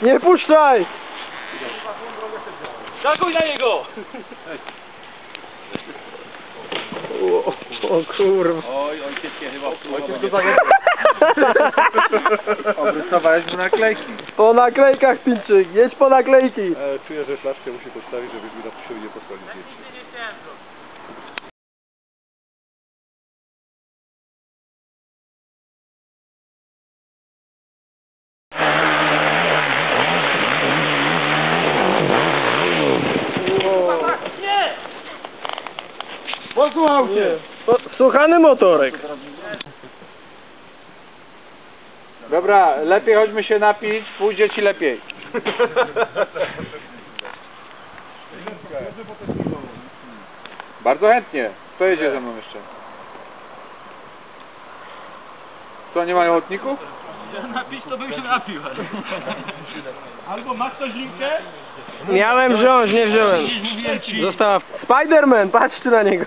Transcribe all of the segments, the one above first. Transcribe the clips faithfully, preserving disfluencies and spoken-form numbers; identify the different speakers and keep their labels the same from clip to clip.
Speaker 1: Nie puszczaj!
Speaker 2: Zakuj na niego!
Speaker 1: O, o kurwa.
Speaker 2: Oj, ojcieckie chyba.
Speaker 3: Ojciec go zajęł. Obrysowałeś mu naklejki.
Speaker 1: Po naklejkach, Pilczyk, jedź po naklejki.
Speaker 4: E, czuję, że flaszkę musi postawić, żeby mi na przysiądzie nie posłali zdjęcia.
Speaker 3: Posłuchał cię.
Speaker 1: Słuchany motorek.
Speaker 3: Dobra, lepiej chodźmy się napić, pójdzie ci lepiej. Bardzo chętnie. Kto jedzie ze mną jeszcze? Co, nie mają lotników?
Speaker 2: Napić to bym się napił. Albo masz coś linkę?
Speaker 1: Miałem wziąć, nie wziąłem. Została... Spiderman, patrzcie na niego.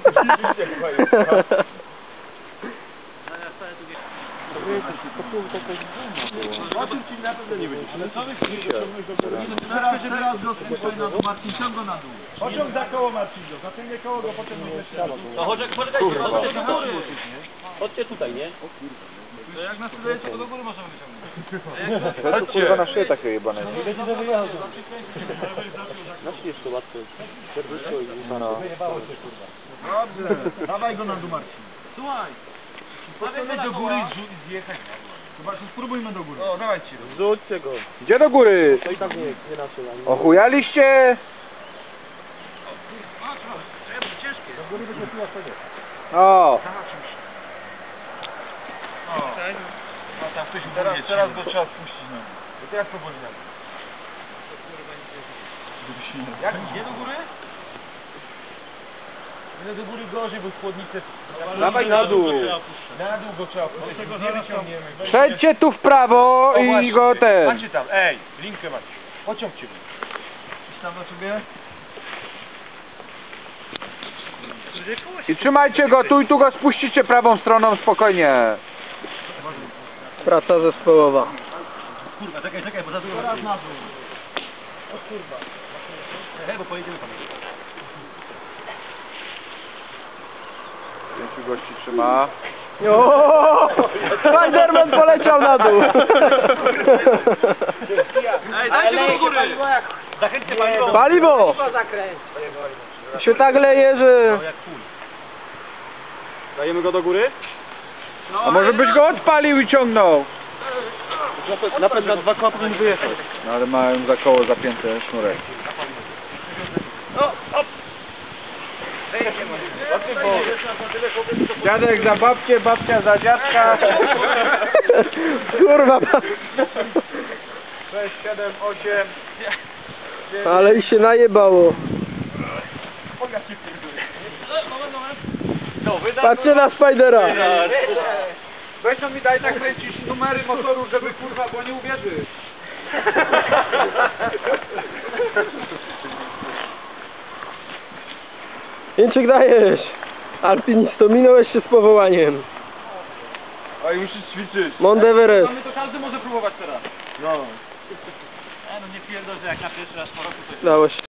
Speaker 2: O tym ci na pewno nie będzie. Ale co wy chcecie ciągnąć do góry? Teraz, teraz go spuszczaj na dół, Marcin, ciąg go na dół. Pociąg za koło, Marcin, go. Zaciągnie koło go, potem nie na dół. No chodź, poczekajcie, chodźcie do góry. Chodźcie tutaj, nie? To jak nas wydajecie, to do góry możemy wyciągnąć.
Speaker 3: To kurwa na szyję takie jebane.
Speaker 4: Naśmiesz to łatwo.
Speaker 3: No.
Speaker 2: Dobrze, dawaj go na dół, Marcin. Słuchaj, stawiamy do góry i zjechać. Zobaczmy, spróbujmy do góry. O, dawajcie.
Speaker 4: Rzućcie go.
Speaker 3: Gdzie do góry?
Speaker 4: To i tak nie, nie nasze.
Speaker 3: Ochujaliście?
Speaker 2: Ciężkie.
Speaker 4: Do góry będzie piła sobie.
Speaker 3: O.
Speaker 2: O. No tam ktoś teraz, teraz go trzeba spuścić na dół. To teraz powoli na dół. Jak idzie do góry? Nie do góry gorzej, bo chłodnice...
Speaker 3: Dawaj na dół.
Speaker 2: Na dół go trzeba puścić. Tego nie wyciągniemy.
Speaker 3: Przejdźcie tu w prawo
Speaker 2: O,
Speaker 3: i
Speaker 2: właśnie.
Speaker 3: go ten.
Speaker 2: Macie tam, ej, linkę macie. Pociągcie go. Idź tam na sobie.
Speaker 3: I trzymajcie go tu i tu go spuścicie prawą stroną spokojnie.
Speaker 1: Praca zespołowa.
Speaker 2: Kurwa, czekaj, czekaj, bo za dużo... Teraz na dół. O kurwa. Hej, bo pojedziemy tam.
Speaker 3: Pięciu gości trzyma.
Speaker 1: O! Spiderman poleciał na dół.
Speaker 2: Ej, dajcie do góry. Zachęćcie paliwo.
Speaker 1: Paliwo! Się tak leje, że...
Speaker 4: Dajemy go do góry?
Speaker 3: A może byś go odpalił i ciągnął?
Speaker 4: Napęd na dwa koła powinien wyjechać.
Speaker 3: No ale mają za koło zapięte sznurek. Dziadek za babcię, babcia za dziadka.
Speaker 1: Kurwa.
Speaker 3: sześć, siedem, osiem.
Speaker 1: Ale i się najebało. Patrzcie na Spidera.
Speaker 3: Weź no mi daj nakręcić numery motoru, żeby kurwa, bo nie uwierzy.
Speaker 1: Jęczyk, dajesz. Alpinisto, minąłeś się z powołaniem.
Speaker 3: Oj, musisz ćwiczyć.
Speaker 1: Mount Everest.
Speaker 2: To każdy może próbować teraz. No. E, no nie pierdol, że jak na pierwszy raz po roku to...
Speaker 1: Dało się.